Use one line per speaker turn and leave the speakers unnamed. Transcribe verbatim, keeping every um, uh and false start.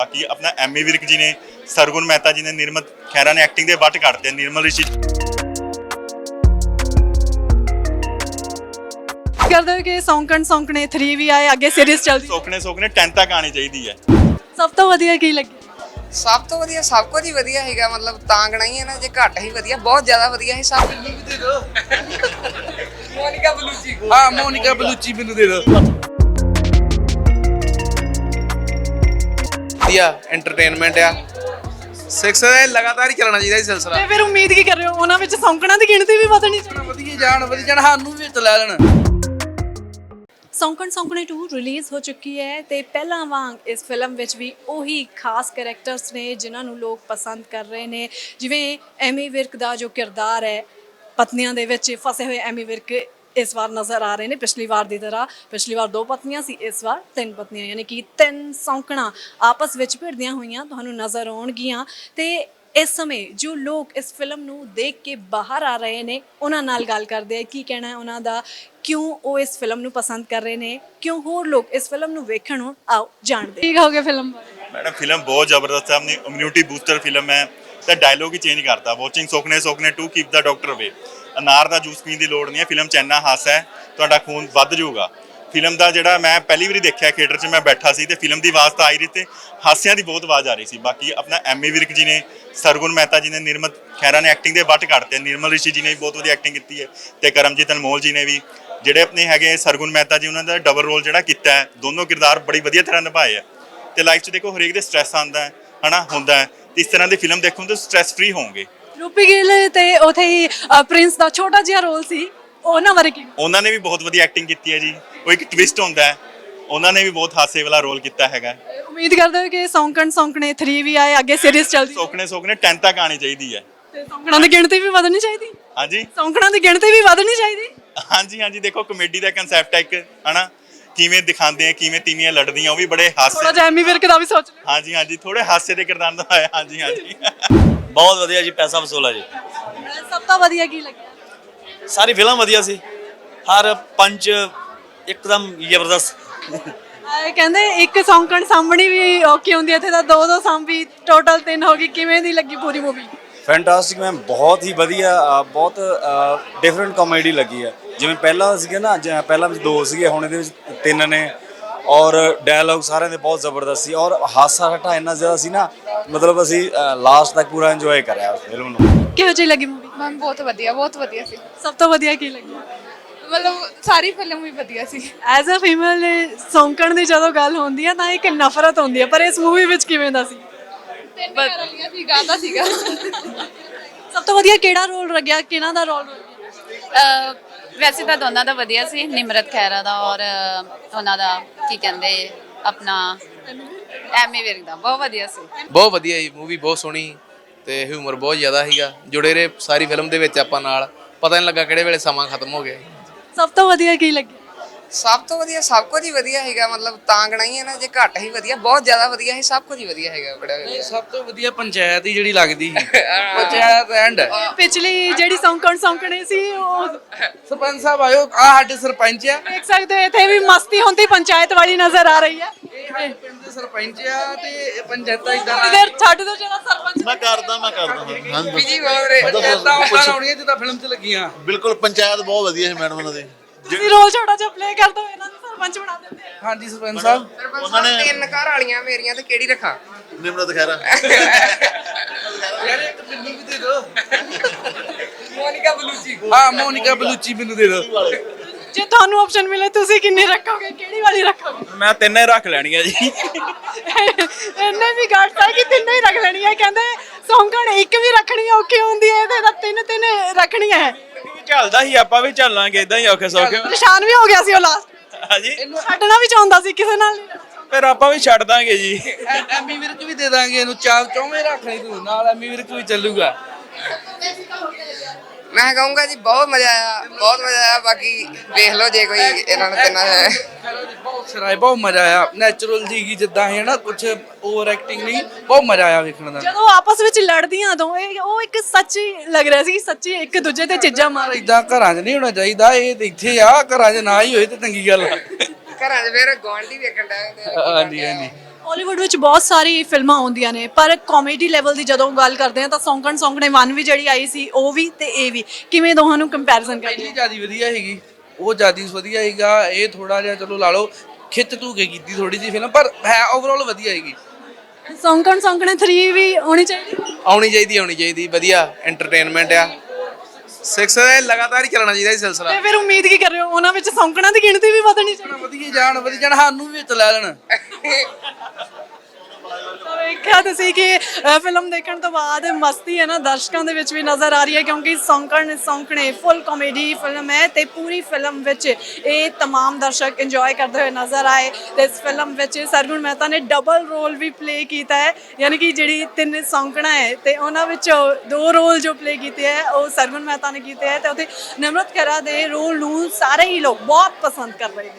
बाकी अपना M A Virk जी ने, सरगुण मेहता जी ने, निर्मल खैरा ने एक्टिंग के वट कटते, निर्मल ऋषि
ਕਰਦੇ ਹੋ ਕਿ ਸੌਂਕਣ ਸੌਂਕਣੇ थ्री ਵੀ ਆਏ ਅੱਗੇ ਸੀਰੀਜ਼ ਚੱਲਦੀ
सोखने सोखने टेन तक आनी चाहिए है।
ਸਭ ਤੋਂ ਵਧੀਆ ਕੀ ਲੱਗਿਆ
ਸਭ ਤੋਂ ਵਧੀਆ ਸਭ ਕੁਝ ਹੀ ਵਧੀਆ ਹੈਗਾ ਮਤਲਬ ਤਾਂ ਗਣਾਈ ਹੈ ਨਾ ਜੇ ਘੱਟ ਹੀ ਵਧੀਆ ਬਹੁਤ ਜ਼ਿਆਦਾ ਵਧੀਆ ਹੈ ਸਭ ਮੋਨਿਕਾ ਬਲੂਚੀ
ਹਾਂ ਮੋਨਿਕਾ ਬਲੂਚੀ ਮੈਨੂੰ ਦੇ ਦਿਓ ਵਧੀਆ ਐਂਟਰਟੇਨਮੈਂਟ ਆ ਸਿਕਸ ਲਗਾਤਾਰ ਹੀ ਚੱਲਣਾ ਚਾਹੀਦਾ ਇਹ ਸਿਲਸਿਲਾ
ਤੇ ਫਿਰ ਉਮੀਦ ਕੀ ਕਰ ਰਹੇ ਹੋ ਉਹਨਾਂ ਵਿੱਚ ਸੌਂਕਣਾਂ ਦੀ ਗਿਣਤੀ ਵੀ ਵਧਣੀ ਚਾਹੀਦੀ
ਵਧੀਆ ਜਾਣ ਵਧੀਆ ਜਾਣ ਸਾਨੂੰ ਵੀ ਵਿੱਚ ਲੈ ਲੈਣ
ਸੌਂਕਣ ਸੌਂਕਣੇ ਟੂ ਰਿਲੀਜ਼ ਹੋ ਚੁੱਕੀ ਹੈ ਤੇ ਪਹਿਲਾਂ ਵਾਂਗ ਇਸ ਫਿਲਮ ਵਿੱਚ ਵੀ ਉਹੀ ਖਾਸ ਕੈਰੈਕਟਰਸ ਨੇ ਜਿਨ੍ਹਾਂ ਨੂੰ ਲੋਕ ਪਸੰਦ ਕਰ ਰਹੇ ਨੇ ਜਿਵੇਂ ਐਮੀ ਵਿਰਕ ਦਾ ਜੋ ਕਿਰਦਾਰ ਹੈ ਪਤਨੀਆਂ ਦੇ ਵਿੱਚ ਫਸੇ ਹੋਏ ਐਮੀ ਵਿਰਕ ਇਸ ਵਾਰ ਨਜ਼ਰ ਆ ਰਹੇ ਨੇ ਪਿਛਲੀ ਵਾਰ ਦੀ ਤਰ੍ਹਾਂ ਪਿਛਲੀ ਵਾਰ ਦੋ ਪਤਨੀਆਂ ਸੀ ਇਸ ਵਾਰ ਤਿੰਨ ਪਤਨੀਆਂ ਯਾਨੀ ਕਿ ਤਿੰਨ ਸੌਂਕਣਾ ਆਪਸ ਵਿੱਚ ਭਿੜਦੀਆਂ ਹੋਈਆਂ ਤੁਹਾਨੂੰ ਨਜ਼ਰ ਆਉਣਗੀਆਂ ਤੇ ਇਸ ਸਮੇਂ ਜੋ ਲੋਕ ਇਸ ਫਿਲਮ ਨੂੰ ਦੇਖ ਕੇ ਬਾਹਰ ਆ ਰਹੇ ਨੇ ਉਹਨਾਂ ਨਾਲ ਗੱਲ ਕਰਦੇ ਆ ਕੀ ਕਹਿਣਾ ਹੈ ਉਹਨਾਂ ਦਾ ਕਿਉਂ ਉਹ ਇਸ ਫਿਲਮ ਨੂੰ ਪਸੰਦ ਕਰ ਰਹੇ ਨੇ ਕਿਉਂ ਹੋਰ ਲੋਕ ਇਸ ਫਿਲਮ ਨੂੰ ਵੇਖਣ ਨੂੰ ਆਓ ਜਾਣਦੇ ਕੀ ਕਹੋਗੇ ਫਿਲਮ ਬਾਰੇ
मैडम फिल्म बहुत जबरदस्त है, अपनी इम्यूनिटी बूस्टर फिल्म है तो डायलॉग ही चेंज करता वॉचिंग सोखने सोखने to keep the doctor away अनार का जूस पीने की लोड़ नहीं है फिल्म च इन्ना हासा है ਤੁਹਾਡਾ खून ਵੱਧ ਜਾਊਗਾ ਫਿਲਮ ਦਾ ਜਿਹੜਾ ਮੈਂ ਪਹਿਲੀ ਵਾਰੀ ਦੇਖਿਆ ਥੀਏਟਰ 'ਚ ਮੈਂ ਬੈਠਾ ਸੀ ਤੇ ਫਿਲਮ ਦੀ ਆਵਾਜ਼ ਤਾਂ ਆ ਹੀ ਰਹੀ ਤੇ ਹਾਸਿਆਂ ਦੀ ਬਹੁਤ ਆਵਾਜ਼ ਆ ਰਹੀ ਸੀ ਬਾਕੀ ਆਪਣਾ ਐਮ ਏ ਵਿਰਕ ਜੀ ਨੇ ਸਰਗੁਣ ਮਹਿਤਾ ਜੀ ਨੇ ਨਿਰਮਲ ਖੈਰਾ ਨੇ ਐਕਟਿੰਗ ਦੇ ਵੱਟ ਕੱਢਤੇ ਨਿਰਮਲ ਰਿਸ਼ੀ ਜੀ ਨੇ ਵੀ ਬਹੁਤ ਵਧੀਆ ਐਕਟਿੰਗ ਕੀਤੀ ਹੈ ਤੇ ਕਰਮਜੀਤ ਅਨਮੋਲ ਜੀ ਨੇ ਵੀ ਜਿਹੜੇ ਆਪਣੇ ਹੈਗੇ ਸਰਗੁਣ ਮਹਿਤਾ ਜੀ ਉਹਨਾਂ ਦਾ ਡਬਲ ਰੋਲ ਜਿਹੜਾ ਕੀਤਾ ਹੈ ਦੋਨੋਂ ਕਿਰਦਾਰ ਬੜੀ ਵਧੀਆ ਤਰ੍ਹਾਂ ਨਿਭਾਏ ਆ ਤੇ ਲਾਈਫ 'ਚ ਦੇਖੋ ਹਰੇਕ ਦੇ ਸਟ੍ਰੈਸ ਆਉਂਦਾ ਹੈ ਹਨਾ ਹੁੰਦਾ ਹੈ ਤੇ ਇਸ ਤਰ੍ਹਾਂ ਦੀ ਫਿਲਮ ਦੇਖੋ ਤਾਂ ਸਟ੍ਰੈਸ ਫ੍ਰੀ ਹੋਵੋਗੇ
ਰੂਪੀ ਗਿੱਲ ਤੇ ਉਥੇ ਹੀ ਪ੍ਰਿੰਸ ਦਾ ਛੋਟਾ ਜਿਹਾ ਰੋਲ ਸੀ ਉਹਨਾਂ ਬਾਰੇ ਕੀ
ਉਹਨਾਂ ਨੇ ਵੀ ਬਹੁਤ ਵਧੀਆ ਐਕਟਿੰਗ ਕੀਤੀ ਹੈ ਜੀ ਉਹ ਇੱਕ ਟਵਿਸਟ ਹੁੰਦਾ ਹੈ ਉਹਨਾਂ ਨੇ ਵੀ ਬਹੁਤ ਹਾਸੇ ਵਾਲਾ ਰੋਲ ਕੀਤਾ ਹੈਗਾ
ਉਮੀਦ ਕਰਦੇ ਹੋ ਕਿ ਸੌਂਕਣ ਸੌਂਕਣੇ ਥ्री ਵੀ ਆਏ ਅੱਗੇ ਸੀਰੀਜ਼ ਚੱਲਦੀ
ਸੋਖਣੇ ਸੋਖਣੇ टेन तक ਆਣੀ ਚਾਹੀਦੀ ਹੈ
ਤੇ ਸੌਂਕਣਾਂ ਦੀ ਗਿਣਤੀ ਵੀ ਵਧਣੀ ਚਾਹੀਦੀ
ਹਾਂਜੀ
ਸੌਂਕਣਾਂ ਦੀ ਗਿਣਤੀ ਵੀ ਵਧਣੀ ਚਾਹੀਦੀ
ਹਾਂਜੀ ਹਾਂਜੀ ਦੇਖੋ ਕਮੇਡੀ ਦਾ ਕਨਸੈਪਟ ਹੈ ਇੱਕ ਹਨਾ ਕਿਵੇਂ ਦਿਖਾਉਂਦੇ ਆ ਕਿਵੇਂ ਤੀਵੀਆਂ ਲੜਦੀਆਂ ਉਹ ਵੀ ਬੜੇ ਹਾਸੇ
ਥੋੜਾ ਜਿਹਾ ਐਮੀ ਵਿਰਕ ਦਾ ਵੀ ਸੋਚ
ਹਾਂਜੀ ਹਾਂਜੀ ਥੋੜੇ ਹਾਸੇ ਦੇ ਕਿਰਦਾਰ ਦਾ ਆਇਆ ਹਾਂਜੀ ਹਾਂਜੀ
ਬਹੁਤ ਵਧੀਆ ਜੀ ਪੈਸਾ ਵਸੂਲ ਆ ਜੀ
ਸਭ ਤੋਂ ਵਧੀਆ ਕੀ ਲੱਗਿਆ
ਸਾਰੀ ਫਿਲਮ ਵਧੀਆ ਸੀ ਹਰ ਪੰਚ ਇੱਕਦਮ ਜ਼ਬਰਦਸਤ
ਆਏ ਕਹਿੰਦੇ ਇੱਕ ਸੌਂਕਣ ਸਾਹਮਣੀ ਵੀ ਓਕੇ ਹੁੰਦੀ ਇੱਥੇ ਤਾਂ ਦੋ ਦੋ ਸਾਂਭੀ ਟੋਟਲ ਤਿੰਨ ਹੋ ਗਈ ਕਿਵੇਂ ਦੀ ਲੱਗੀ ਪੂਰੀ ਮੂਵੀ
ਫੈਂਟਾਸਟਿਕ ਮੈਮ ਬਹੁਤ ਹੀ ਵਧੀਆ ਬਹੁਤ ਡਿਫਰੈਂਟ ਕਾਮੇਡੀ ਲੱਗੀ ਹੈ ਜਿਵੇਂ ਪਹਿਲਾਂ ਸੀਗਾ ਨਾ ਪਹਿਲਾਂ ਵਿੱਚ ਦੋ ਸੀਗੇ ਹੁਣ ਇਹਦੇ ਵਿੱਚ ਤਿੰਨ ਨੇ ਔਰ ਡਾਇਲੌਗ ਸਾਰਿਆਂ ਦੇ ਬਹੁਤ ਜ਼ਬਰਦਸਤ ਸੀ ਔਰ ਹਾਸਾ ਹਟਾ ਇੰਨਾ ਜ਼ਿਆਦਾ ਸੀ ਨਾ ਮਤਲਬ ਅਸੀਂ ਲਾਸਟ ਤੱਕ ਪੂਰਾ ਇੰਜੋਏ ਕਰਿਆ ਉਸ ਫਿਲਮ ਨੂੰ
ਕਿਹੋ ਜਿਹੀ ਲੱਗੀ ਮੂਵੀ
ਮੈਮ ਬਹੁਤ ਵਧੀਆ ਬਹੁਤ ਵਧੀਆ ਸੀ
ਸਭ ਤੋਂ ਵਧੀਆ ਕੀ ਲੱਗਿਆ
ਮਤਲਬ ਸਾਰੀ ਫਿਲਮ ਵੀ ਵਧੀਆ ਸੀ
ਐਜ਼ ਅ ਫੀਮੇਲ ਸੌਂਕਣ ਦੀ ਜਦੋਂ ਗੱਲ ਹੁੰਦੀ ਹੈ ਤਾਂ ਇੱਕ ਨਫ਼ਰਤ ਹੁੰਦੀ ਹੈ ਪਰ ਇਸ ਮੂਵੀ ਵਿੱਚ ਕਿਵੇਂ ਦਾ ਸੀ
ਤਿੰਨ ਵਾਲੀਆਂ ਸੀ ਗਾਦਾ ਸੀਗਾ
ਸਭ ਤੋਂ ਵਧੀਆ ਕਿਹੜਾ ਰੋਲ ਲੱਗਿਆ ਕਿਹਨਾਂ ਦਾ ਰੋਲ ਲੱਗਿਆ
ਵੈਸੇ ਤਾਂ ਦੋਨਾਂ ਦਾ ਵਧੀਆ ਸੀ ਨਿਮਰਤ ਖੈਰਾ ਦਾ ਔਰ ਉਹਨਾਂ ਦਾ ਕੀ ਕਹਿੰਦੇ ਆਪਣਾ ਐਮੀ ਵਿਰਕ ਦਾ ਬਹੁਤ ਵਧੀਆ ਸੀ
ਬਹੁਤ ਵਧੀਆ ਜੀ ਮੂਵੀ ਬਹੁਤ ਸੋਹਣੀ ਤੇ ਹਿਊਮਰ ਬਹੁਤ ਜ਼ਿਆਦਾ ਸੀਗਾ ਜੁੜੇ ਰਹੇ ਸਾਰੀ ਫਿਲਮ ਦੇ ਵਿੱਚ ਆਪਾਂ ਨਾਲ ਪਤਾ ਨਹੀਂ ਲੱਗਾ ਕਿਹੜੇ ਵੇਲੇ ਸਮਾਂ ਖਤਮ ਹੋ ਗਿਆ
ਸਭ ਤੋਂ ਵਧੀਆ ਕੀ ਲੱਗਿਆ
ਸਭ ਤੋਂ ਵਧੀਆ ਸਭ ਕੁਝ ਹੀ ਵਧੀਆ ਹੈਗਾ ਮਤਲਬ ਤਾਂ ਗਣਾਈ ਹੈ ਨਾ ਜੇ ਘੱਟ ਹੀ ਵਧੀਆ ਬਹੁਤ ਜ਼ਿਆਦਾ ਵਧੀਆ ਹੈ ਸਭ ਕੁਝ ਹੀ ਵਧੀਆ ਹੈਗਾ ਬੜਾ ਵਧੀਆ
ਸਭ ਤੋਂ ਵਧੀਆ ਪੰਚਾਇਤ ਹੀ ਜਿਹੜੀ ਲੱਗਦੀ ਸੀ ਪੰਚਾਇਤ ਐਂਡ
ਪਿਛਲੀ ਜਿਹੜੀ ਸੌਂਕਣ ਸੌਂਕਣੇ ਸੀ ਉਹ
ਸਰਪੰਚ ਸਾਹਿਬ ਆਇਓ ਆ ਸਾਡੇ ਸਰਪੰਚ ਆ
ਦੇਖ ਸਕਦੇ ਹੋ ਇੱਥੇ ਵੀ ਮਸਤੀ ਹੁੰਦੀ ਪੰਚਾਇਤ ਵਾਲੀ ਨਜ਼ਰ ਆ ਰਹੀ ਹੈ
ਇਹ ਪਿੰਡ ਦੇ ਸਰਪੰਚ ਆ ਤੇ ਇਹ ਪੰਚਾਇਤਾਂ ਇਦਾਂ
ਇਧਰ ਛੱਡ ਦੋ ਜਿਹੜਾ ਸਰਪੰਚ
ਮੈਂ ਕਰਦਾ ਮੈਂ ਕਰਦਾ ਹਾਂ
ਬਿਜੀ ਬਹੁਤ ਰਹੇ
ਪੰਚਾਇਤਾਂ ਉਹਨਾਂ ਆਉਣੀਆਂ ਜਿੱਦਾਂ ਫਿਲਮ 'ਚ ਲੱਗੀਆਂ
ਬਿਲਕੁਲ ਪੰਚਾਇਤ ਬਹੁਤ ਵਧੀਆ ਸੀ ਮੈਡਮ ਉਹਨਾਂ ਦੀ
ਤੁਸੀਂ ਰੋਲ ਛੋਟਾ ਜਿਹਾ ਪਲੇ ਕਰ ਦੋ ਇਹਨਾਂ ਨੂੰ ਸਰਪੰਚ ਬਣਾ ਦਿੰਦੇ ਆ
ਹਾਂਜੀ ਸਰਪੰਚ ਸਾਹਿਬ
ਉਹਨਾਂ ਨੇ ਤਿੰਨ ਘਰ ਵਾਲੀਆਂ ਮੇਰੀਆਂ ਤੇ ਕਿਹੜੀ ਰੱਖਾਂ
ਨਿਮਰਤ ਖੈਰਾ
ਯਾਰ ਇੱਕ ਮੈਨੂੰ ਵੀ ਦੇ ਦਿਓ
ਮੋਨਿਕਾ ਬਲੂਚੀ
ਹਾਂ ਮੋਨਿਕਾ ਬਲੂਚੀ ਮੈਨੂੰ ਦੇ ਦਿਓ
ਜੇ ਤੁਹਾਨੂੰ ਆਪਸ਼ਨ ਮਿਲੇ ਤੁਸੀਂ ਕਿੰਨੀ ਰੱਖੋਗੇ ਕਿਹੜੀ ਵਾਲੀ ਰੱਖੋਗੇ
ਮੈਂ ਤਿੰਨੇ ਰੱਖ ਲੈਣੀਆਂ ਜੀ
ਇਹਨੇ ਵੀ ਗੱਟ ਹੈ ਕਿ ਤਿੰਨੇ ਹੀ ਰੱਖ ਲੈਣੀ ਹੈ ਕਹਿੰਦੇ ਸੌਂਕਣ ਇੱਕ ਵੀ ਰੱਖਣੀ ਔਖੀ ਹੁੰਦੀ ਹੈ ਤੇ ਤਾਂ ਤਿੰਨ ਤਿੰਨ ਰੱਖਣੀਆਂ ਹੈ
ਚੱਲਦਾ ਸੀ ਆਪਾਂ ਵੀ ਚੱਲਾਂਗੇ ਇਦਾਂ ਹੀ ਔਖੇ ਸੌਖੇ
ਪਰੇਸ਼ਾਨ ਵੀ ਹੋ ਗਿਆ ਸੀ ਉਹ ਲਾਸਟ
ਹਾਂਜੀ
ਛੱਡਣਾ ਵੀ ਚਾਹੁੰਦਾ ਸੀ ਕਿਸੇ ਨਾਲ
ਫਿਰ ਆਪਾਂ ਵੀ ਛੱਡ ਦਾਂਗੇ ਜੀ
ਐਮੀ ਵਿਰਕ ਵੀ ਦੇ ਦਾਂਗੇ ਇਹਨੂੰ ਚਾਰ ਚੌਵੇਂ ਰੱਖ ਲਈ ਤੂੰ ਨਾਲ ਐਮੀ ਵਿਰਕ ਵੀ ਚੱਲੂਗਾ
ਮੈਂ ਕਹੂੰਗਾ ਜੀ ਬਹੁਤ ਮਜ਼ਾ ਆਇਆ ਬਹੁਤ ਮਜ਼ਾ ਆਇਆ ਬਾਕੀ ਵੇਖ ਲਓ ਜੇ ਕੋਈ ਇਹਨਾਂ ਨੂੰ ਤਿੰਨਾਂ ਹੈ
ਬਹੁਤ ਸਰਾਏ ਬਹੁਤ ਮਜ਼ਾ ਆਇਆ ਨੈਚੁਰਲ ਜੀ ਜਿੱਦਾਂ ਹੈ ਨਾ ਕੁਝ ਓਵਰ ਐਕਟਿੰਗ ਨਹੀਂ ਬਹੁਤ ਮਜ਼ਾ ਆਇਆ ਵੇਖਣ ਦਾ
ਜਦੋਂ ਆਪਸ ਵਿੱਚ ਲੜਦੀਆਂ ਦੋ ਇਹ ਉਹ ਇੱਕ ਸੱਚੀ ਲੱਗ ਰਿਹਾ ਸੀ ਸੱਚੀ ਇੱਕ ਦੂਜੇ ਤੇ ਚੀਜ਼ਾਂ ਮਾਰ
ਇਦਾਂ ਘਰਾਂ 'ਚ ਨਹੀਂ ਹੋਣਾ ਚਾਹੀਦਾ ਇਹ ਤੇ ਇੱਥੇ ਆ ਘਰਾਂ 'ਚ ਨਾ ਹੀ ਹੋਏ ਤੇ ਚੰਗੀ ਗੱਲ ਆ
ਘਰਾਂ 'ਚ ਫਿਰ ਗਵਾਂਢੀ ਵੇਖਣ ਦਾ
ਹਾਂਜੀ ਹਾਂਜੀ
ਹਾਲੀਵੁੱਡ ਵਿੱਚ ਬਹੁਤ ਸਾਰੀ ਫਿਲਮਾਂ ਆਉਂਦੀਆਂ ਨੇ ਪਰ ਕਾਮੇਡੀ ਲੈਵਲ ਦੀ ਜਦੋਂ ਗੱਲ ਕਰਦੇ ਆ ਤਾਂ ਸੌਂਕਣ ਸੌਂਕਣੇ ਵਨ ਵੀ ਜਿਹੜੀ ਆਈ ਸੀ ਉਹ ਵੀ ਤੇ ਇਹ ਵੀ ਕਿਵੇਂ ਦੋਹਾਂ ਨੂੰ ਕੰਪੈਰੀਜ਼ਨ ਕਰਦੇ
ਪਹਿਲੀ ਜਿਆਦਾ ਵਧੀਆ ਹੈਗੀ ਉਹ ਜਿਆਦਾ ਵਧੀਆ ਹੈਗਾ ਇਹ ਥੋੜਾ ਜਿਹਾ ਚਲੋ ਲਾ ਲਓ ਖਿੱਚ ਧੂ ਕੇ ਕੀਤੀ ਥੋੜੀ ਜਿਹੀ ਫਿਲਮ ਪਰ ਹੈ ਓਵਰਆਲ ਵਧੀਆ ਹੈਗੀ
ਸੌਂਕਣ ਸੌਂਕਣੇ ਥ੍ਰੀ ਵੀ ਆਉਣੀ ਚਾਹੀਦੀ
ਆਉਣੀ ਚਾਹੀਦੀ ਆਉਣੀ ਚਾਹੀਦੀ ਵਧੀਆ ਐਂਟਰਟੇਨਮੈਂਟ ਆ ਸਿਕਸ ਲਗਾਤਾਰ ਹੀ ਚੱਲਣਾ ਚਾਹੀਦਾ ਇਹ ਸਿਲਸਿਲਾ
ਤੇ ਫਿਰ ਉਮੀਦ ਕੀ ਕਰ ਰਹੇ ਹੋ ਉਹਨਾਂ ਵਿੱਚ ਸੌਂਕਣਾਂ ਦੀ ਗਿਣਤੀ ਵੀ ਵਧਣੀ ਚਾਹੀਦੀ
ਵਧੀਆ ਜਾਣ ਵਧੀਆ ਜਾਣ ਸਾਨੂੰ ਵੀ ਵਿੱਚ ਲੈ ਲੈਣ
ਤਾਂ ਵੇਖਿਆ ਤੁਸੀਂ ਕਿ ਅ, ਫਿਲਮ ਦੇਖਣ ਤੋਂ ਬਾਅਦ ਮਸਤੀ ਹੈ ਨਾ ਦਰਸ਼ਕਾਂ ਦੇ ਵਿੱਚ ਵੀ ਨਜ਼ਰ ਆ ਰਹੀ ਹੈ ਕਿਉਂਕਿ ਸੌਂਕਣ ਸੌਂਕਣੇ ਫੁੱਲ ਕਾਮੇਡੀ ਫਿਲਮ ਹੈ ਤੇ ਪੂਰੀ ਫਿਲਮ ਵਿੱਚ ਇਹ तमाम ਦਰਸ਼ਕ ਇੰਜੋਏ ਕਰਦੇ ਹੋਏ ਨਜ਼ਰ ਆਏ ਤੇ ਇਸ ਫਿਲਮ ਵਿੱਚ ਸਰਗੁਣ ਮਹਿਤਾ ਨੇ ਡਬਲ ਰੋਲ ਵੀ ਪਲੇ ਕੀਤਾ ਹੈ ਯਾਨੀ ਕਿ ਜਿਹੜੀ ਤਿੰਨ ਸੌਂਕਣਾ ਹੈ ਤੇ ਉਹਨਾਂ ਵਿੱਚੋਂ ਦੋ ਰੋਲ ਜੋ ਪਲੇ ਕੀਤੇ ਹੈ ਉਹ ਸਰਗੁਣ ਮਹਿਤਾ ਨੇ ਕੀਤੇ ਹੈ ਤੇ ਉੱਥੇ ਨਿਮਰਤ ਖਹਿਰਾ ਦੇ ਰੋਲ ਨੂੰ ਸਾਰੇ ਹੀ ਲੋਕ ਬਹੁਤ ਪਸੰਦ ਕਰ ਰਹੇ ਨੇ।